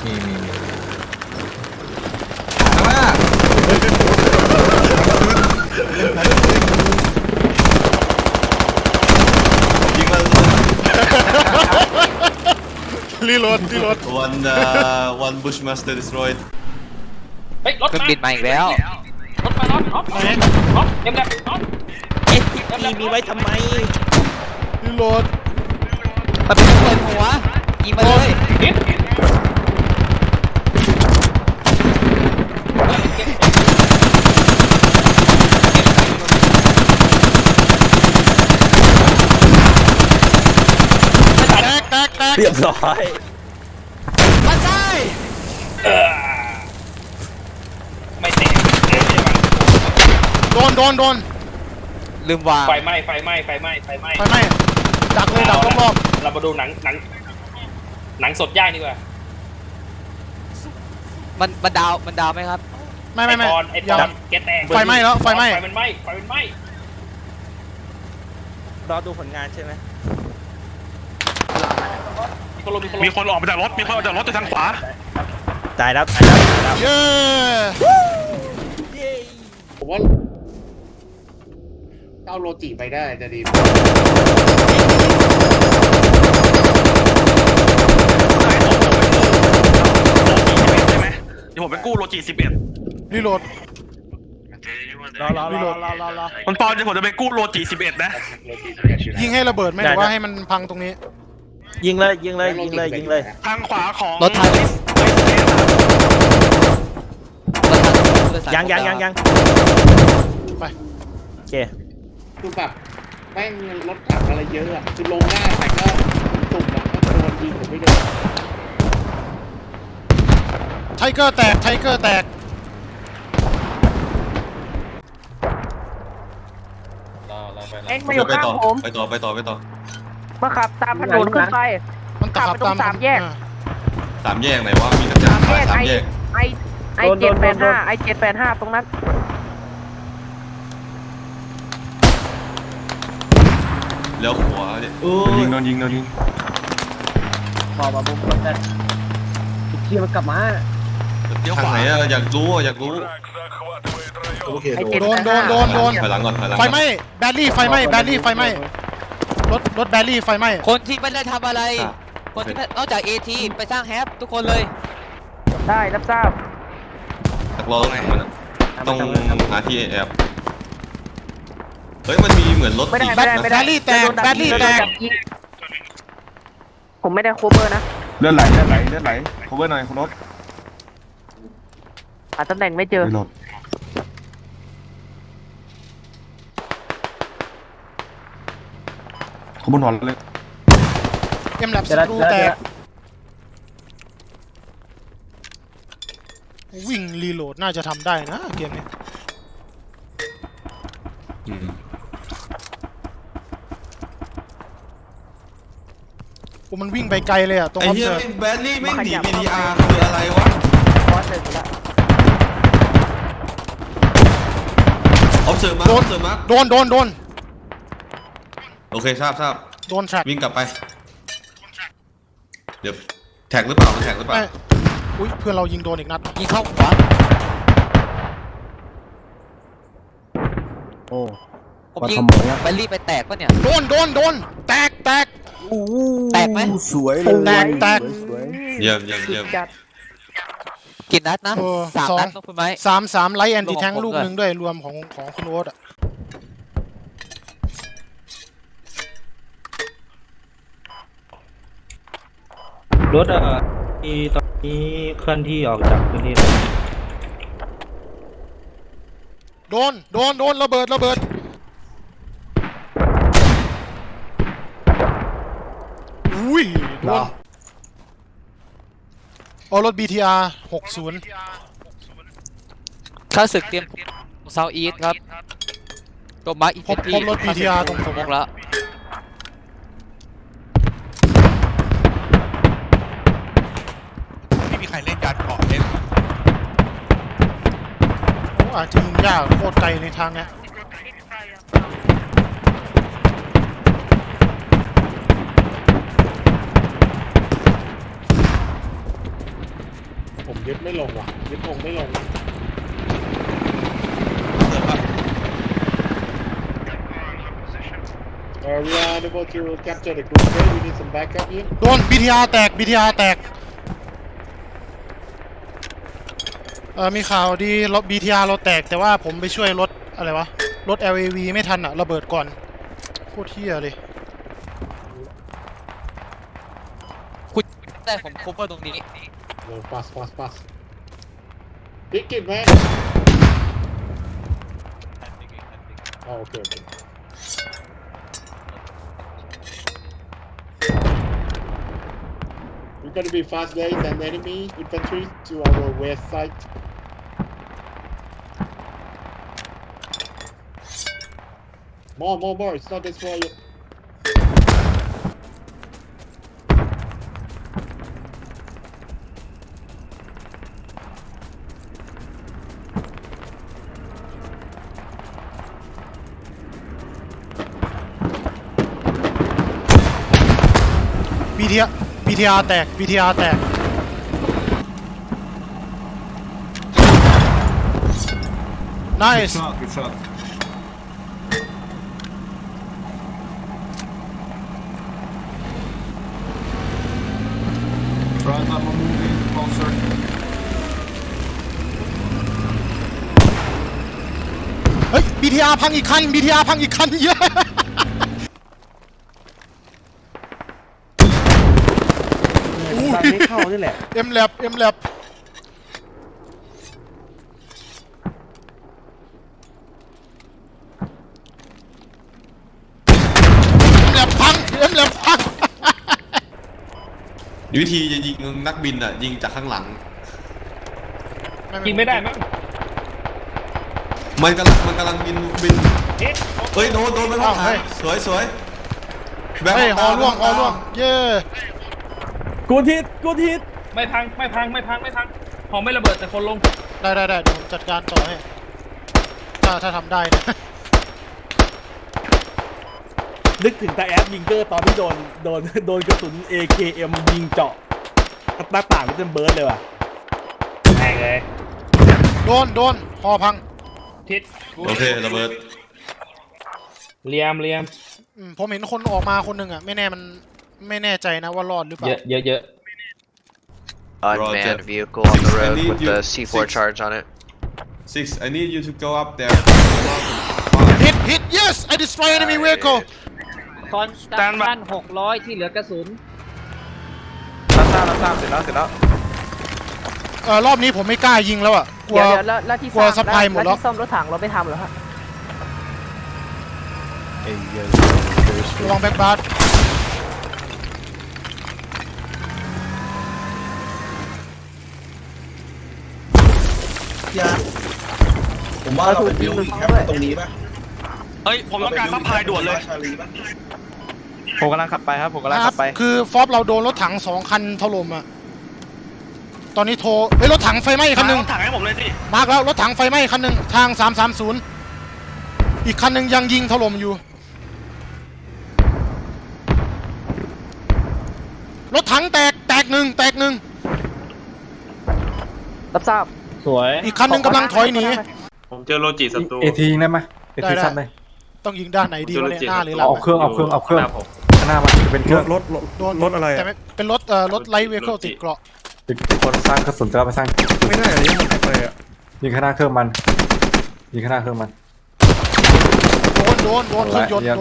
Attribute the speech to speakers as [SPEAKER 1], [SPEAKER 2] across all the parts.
[SPEAKER 1] มีข้างหน้ายิงมัน
[SPEAKER 2] รีโหลด
[SPEAKER 1] one Bushmaster destroyed
[SPEAKER 3] เฮ้ยรถ
[SPEAKER 4] เครื่อง
[SPEAKER 3] มา
[SPEAKER 4] บินมาอีกแล้ว
[SPEAKER 3] รถมาน็อตน็อตน็อตเอ็มแลบน็อต
[SPEAKER 5] STG มีไว้ทำไม
[SPEAKER 2] รีโหลด
[SPEAKER 4] มันเป็นเปิดหัวยิงมาเลย
[SPEAKER 3] นิด
[SPEAKER 2] แตก
[SPEAKER 5] เรียบร้อย
[SPEAKER 4] มาใช่
[SPEAKER 3] ไม่เตะ
[SPEAKER 2] โดน
[SPEAKER 4] ลืมวาง
[SPEAKER 3] ไฟไหม้
[SPEAKER 2] ไฟไหม้ดักเลยดักรอบ
[SPEAKER 3] เรามาดูหนังสดย่างดีกว่า
[SPEAKER 4] มันดาวไหมครับ
[SPEAKER 2] ๆไม่
[SPEAKER 3] ไอ้ปอนแกแตก
[SPEAKER 2] ไฟไหม้แล้วไฟไหม้
[SPEAKER 3] ไฟมันไหม้
[SPEAKER 5] รอดูผลงานใช่ไหม
[SPEAKER 6] มีคนออกมาจากรถจากทางขวา
[SPEAKER 5] ตายแล้ว
[SPEAKER 2] เย้
[SPEAKER 7] ผมว่าเอาโลจิไปได้จะดี
[SPEAKER 6] ใช่ไหมเดี๋ยวผมไปกู้โลจิ11
[SPEAKER 2] รีโหลด
[SPEAKER 5] รอ
[SPEAKER 6] มันปอนเดี๋ยวผมจะไปกู้โลจิ11นะ
[SPEAKER 2] ยิงให้ระเบิดไหมหรือว่าให้มันพังตรงนี้
[SPEAKER 5] ยิงเลย
[SPEAKER 6] ทางขวาของ
[SPEAKER 4] รถถัง
[SPEAKER 5] ยัง
[SPEAKER 2] ไป
[SPEAKER 5] โอเค
[SPEAKER 7] คือแบบแม่งรถถังอะไรเยอะอะคือลงง่ายแต่ก็สุ่มอะก็โดนยิงผมไม่โดน
[SPEAKER 2] ไทเกอร์แตก
[SPEAKER 8] เอ็งมาอยู่ข้างผม
[SPEAKER 1] ไปต่อ
[SPEAKER 8] มาขับตามถนนขึ้นไป
[SPEAKER 2] มันขับ
[SPEAKER 8] ขับไปตรงสามแยก
[SPEAKER 1] สามแยกไหนวะมีกระจาดสามแยก
[SPEAKER 8] ไอ785ตรงนั้น
[SPEAKER 1] แล้วขวาเนี่ย
[SPEAKER 6] โดนยิง
[SPEAKER 8] บอกว่าบุ้มคนแต่เที่ยวมันกลับมา
[SPEAKER 6] เดี๋ยว
[SPEAKER 1] ทาง
[SPEAKER 6] ขวา
[SPEAKER 1] ไหนอะอยากรู้
[SPEAKER 8] ไอ
[SPEAKER 2] โดน
[SPEAKER 1] ถอยหลังก่อน
[SPEAKER 2] ไฟไหม้แบลลี่ไฟไหม้รถแบลลี่ไฟไหม้
[SPEAKER 4] คนที่ไม่ได้ทำอะไร คนที่นอกจาก AT ไปสร้างแฮปทุกคนเลย
[SPEAKER 8] ได้รับทราบ
[SPEAKER 1] ตักรอตรงไหนมันต้องหาที่แอบเฮ้ยมันมีเหมือนรถ
[SPEAKER 8] ไม่ได้
[SPEAKER 1] ติ
[SPEAKER 8] ไม่ได้
[SPEAKER 1] นะ
[SPEAKER 8] ไม่ได้
[SPEAKER 2] แบลลี่แตก
[SPEAKER 8] ผมไม่ได้โคเวอร์นะ
[SPEAKER 6] เลือดไหลcover หน่อยคุณรถ
[SPEAKER 8] หาตำแหน่งไม่เจอ
[SPEAKER 6] ขบวนหอนเลย
[SPEAKER 2] เอ็มแลบสกรูแตกวิ่งรีโหลดน่าจะทำได้นะเกมนี้โอ้มันวิ่งไปไกลเลยอะตรง
[SPEAKER 1] ไอ้
[SPEAKER 2] ออฟ
[SPEAKER 1] เหี้ย
[SPEAKER 2] เซิร์ฟ
[SPEAKER 1] แบลลี่ไม่หนี PTR คืออะไรวะ
[SPEAKER 8] บอสเสร็จแล้ว
[SPEAKER 1] ออฟเซิร์ฟมา
[SPEAKER 2] โดน
[SPEAKER 1] โอเคทราบ
[SPEAKER 2] โดนแทร็ก
[SPEAKER 1] วิ่งกลับไปเดี๋ยวแท็กหรือเปล่ามันแท็กหรือเปล่า
[SPEAKER 2] อุ้ยเพื่อนเรายิงโดนอีกนัด
[SPEAKER 4] ยิงเข้าขวา
[SPEAKER 5] โอ้
[SPEAKER 4] ผมยิงแบลลี่ไปแตกปะเนี่ย
[SPEAKER 2] โดนแตก
[SPEAKER 4] แตกไหม
[SPEAKER 5] สวยเลย
[SPEAKER 2] แตก
[SPEAKER 1] เยี่ยม
[SPEAKER 8] จัด
[SPEAKER 4] กี่นัดนะ
[SPEAKER 2] เออ
[SPEAKER 4] 3
[SPEAKER 2] สอง
[SPEAKER 4] นัดต้องคุณไหม
[SPEAKER 2] สามไลท์แอนตี้แทง
[SPEAKER 4] รวมของผม
[SPEAKER 2] ลูกหนึ่งด้วยรวมของคุณโอ๊ตอะ
[SPEAKER 9] รถที่ตอนนี้เคลื่อนที่ออกจากพื้นที่
[SPEAKER 2] โดนระเบิดอุ้ยโดนเอารถ BTR 60
[SPEAKER 4] ข้าศึกเตรียมเซาท์อีสครับตัวมาร์คอีก
[SPEAKER 2] พบรถ BTR ตรงสมอง
[SPEAKER 4] แล้ว
[SPEAKER 6] ไม่มีใครเล่นยานเกาะเล่น
[SPEAKER 2] โอ้อาจจะยิงยากโคตรไกลในทางเนี้ย
[SPEAKER 7] ยึดไม่ลงว่ะยึดธงไม่ลง We are unable to capture the group. We need some backup here.
[SPEAKER 2] โดน BTR แตก BTR แตกมีข่าวดีรถ BTR เราแตกแต่ว่าผมไปช่วยรถอะไรวะรถ LAV ไม่ทันอะระเบิดก่อนโคตรเหี้ยเลย
[SPEAKER 4] ได้ผมโคเวอร์ตรงนี้
[SPEAKER 7] No, pass. Pick it, man. Oh, okay. We're gonna be fast guys and enemy infantry to our west side. More. It's not this way.
[SPEAKER 2] BTR แตก BTR แตก Nice
[SPEAKER 1] Good shot. Front up moving closer.
[SPEAKER 2] เฮ้ย BTR พังอีกคัน BTR พังอีกคันเยอะ
[SPEAKER 5] ตอนไม่เข้านี่แหละ
[SPEAKER 2] MLab พัง MLab พัง
[SPEAKER 1] วิธีจะยิงนักบินอ่ะยิงจากข้างหลัง
[SPEAKER 3] ยิงไม่ได้มั้ง
[SPEAKER 1] มันกำลังบิน
[SPEAKER 3] เฮ้ย
[SPEAKER 1] เฮ้ยโดนไปข้างหลังสวยแบงค์
[SPEAKER 2] เฮ้ยฮอล่วง เย้
[SPEAKER 5] กูทิศ
[SPEAKER 3] ไม่พังหอไม่ระเบิดแต่คนลง
[SPEAKER 2] ได้เดี๋ยวผมจัดการต่อให้ถ้าทำได้นะ
[SPEAKER 5] นึกถึงตาแอดยิงเกอร์ตอนที่โดนกระสุน AKM ยิงเจาะหน้าต่างก็เป็นเบิร์ดเลยว่ะ
[SPEAKER 3] แม่งเลย
[SPEAKER 2] โดนฮอพัง
[SPEAKER 3] ทิศ
[SPEAKER 1] โอเคระเบิด
[SPEAKER 3] เลียม
[SPEAKER 2] ผมเห็นคนออกมาคนหนึ่งอ่ะไม่แน่ใจนะว่ารอดหรือเปล่า
[SPEAKER 3] เยอะ
[SPEAKER 1] Unmanned
[SPEAKER 10] vehicle on the road with the C4 charge on it.
[SPEAKER 1] 6 I need you to go up there.
[SPEAKER 2] Hit yes I destroy enemy vehicle
[SPEAKER 4] คอนสแตนบ้าน600ที่เหลือกระสุน
[SPEAKER 5] รับทราบเสร็จแล้ว
[SPEAKER 2] รอบนี้ผมไม่กล้ายิงแล้วอ่ะกลัว
[SPEAKER 8] เดี๋ยวแล้วที่
[SPEAKER 2] กลัวซัพพลายหมดแล้ว
[SPEAKER 8] ที่ซ่อมรถถังเราไม่ทำเหรอฮะ
[SPEAKER 2] ระวังแบ็คบาร์
[SPEAKER 5] ผมว่าเราเป็นบิลลิ่งแคมป์ตรงนี้ป่ะ
[SPEAKER 6] เฮ้ยผมต้องการซัพพลายด่วนเลย
[SPEAKER 5] ผมกำลังขับไปครับ
[SPEAKER 2] คือฟอบเราโดนรถถัง2 คันถล่มอ่ะตอนนี้โทรรถถังไฟไหม้คันหนึ่ง
[SPEAKER 6] ถังให้ผมเลยสิ
[SPEAKER 2] มาร์กแล้วรถถังไฟไหม้คันหนึ่งทาง330อีกคันหนึ่งยังยิงถล่มอยู่รถถังแตกหนึ่ง
[SPEAKER 8] รับทราบ
[SPEAKER 9] สวย
[SPEAKER 2] อีกคันหนึ่งกำลังถอยหนี
[SPEAKER 6] ผมเจอโลจิศัตรู
[SPEAKER 5] เอทีได้ไหมเอที
[SPEAKER 2] ได้
[SPEAKER 5] สั้นเลย
[SPEAKER 2] ต้องยิงด้านไหนดีวะเนี่ยหน้าหรือหลัง
[SPEAKER 5] เอาเครื่องข้างหน้ามันเป็นเครื่องรถอะไร
[SPEAKER 2] แต่ไม่เป็นรถไลท์เวเคิลติดเกราะ
[SPEAKER 5] ติดคนสร้างกระสุนจะเอาไปสร้างไม่ได้อันนี้มันไปอ่ะยิงข้างหน้าเครื่องมัน
[SPEAKER 2] โดนเครื่องยนต์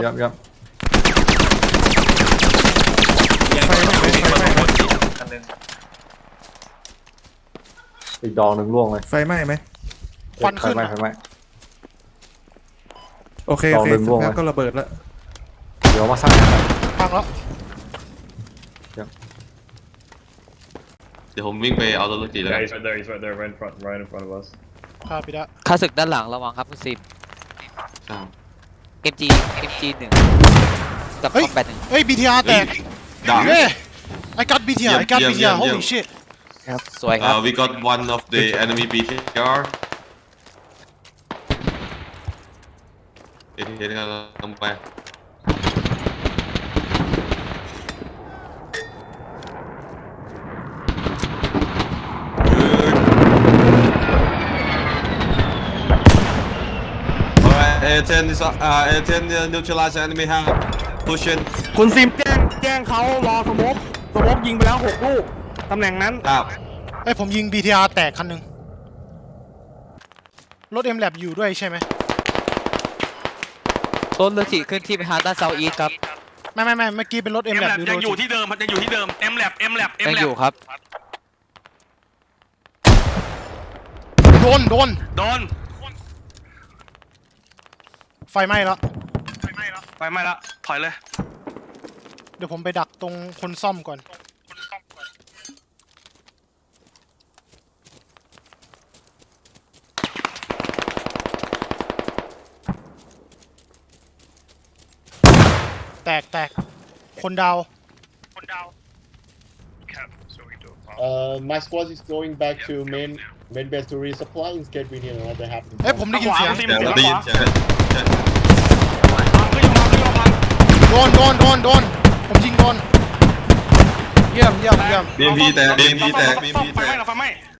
[SPEAKER 5] อีกดอกหนึ่งล่วงเลย
[SPEAKER 11] ไฟไหม้ไหม
[SPEAKER 2] ควันขึ้น
[SPEAKER 5] ไฟไหม้
[SPEAKER 11] โอเค
[SPEAKER 5] ต่อเดินวง
[SPEAKER 11] งั้นก็ระเบิดแล้ว
[SPEAKER 5] เดี๋ยวมาสร้างกัน
[SPEAKER 2] พังแล้ว
[SPEAKER 1] เดี๋ยวผมวิ่งไปเอารถจีแล้วกัน
[SPEAKER 6] He's right there right in front of us
[SPEAKER 2] ครับพี่ดะ
[SPEAKER 4] ค่าศึกด้านหลังระวังครับคุณซิม
[SPEAKER 1] อ่า
[SPEAKER 4] MG 1กับคอมแบท1
[SPEAKER 2] เฮ้ย BTR แตก
[SPEAKER 1] ดัง
[SPEAKER 2] เฮ้ย I got BTR holy shit
[SPEAKER 4] ครับสวยครับ
[SPEAKER 1] We got one of the enemy BTR เดี๋ยวเราลงไป A10 is A10 neutralize enemy have pushing
[SPEAKER 5] คุณซิมแจ้งเขารอสโมกยิงไปแล้ว6 ลูกตำแหน่งนั้น
[SPEAKER 1] ครับ
[SPEAKER 2] ไอ้ยผมยิง BTR แตกคันหนึ่งรถ M-Lab อยู่ด้วยใช่ไหม
[SPEAKER 4] รถเรือฉีขึ้นที่ไปทางด้านเซาท์อีสครับ
[SPEAKER 2] ไม่เมื่อกี้เป็นรถ
[SPEAKER 6] เอ็ม
[SPEAKER 2] M-Lab
[SPEAKER 6] แลบ
[SPEAKER 2] อยู่
[SPEAKER 6] ยังอยู่
[SPEAKER 2] ด้วย
[SPEAKER 6] ที่เดิมยังอยู่ที่เดิมเอ็มแลบ
[SPEAKER 4] ยังอยู่ครับ
[SPEAKER 2] โดน
[SPEAKER 6] โดน
[SPEAKER 2] ไฟไหม้แล้ว
[SPEAKER 6] ไปไม่ละถอยเลย
[SPEAKER 2] เดี๋ยวผมไปดักตรงคนซ่อมก่อนแตกคนดาว
[SPEAKER 7] My squad is going back to main base to resupply in case we need another half.
[SPEAKER 2] เอ้ยผมได้ยินเสียง
[SPEAKER 6] ซิม
[SPEAKER 1] เดี๋ยว
[SPEAKER 6] เสียง
[SPEAKER 1] ได้ยิน
[SPEAKER 6] ขวา
[SPEAKER 1] เสียง
[SPEAKER 2] โดนผมยิงโดนเยี่ยม
[SPEAKER 1] BMP แตก BMP แตก
[SPEAKER 6] ไฟไหม้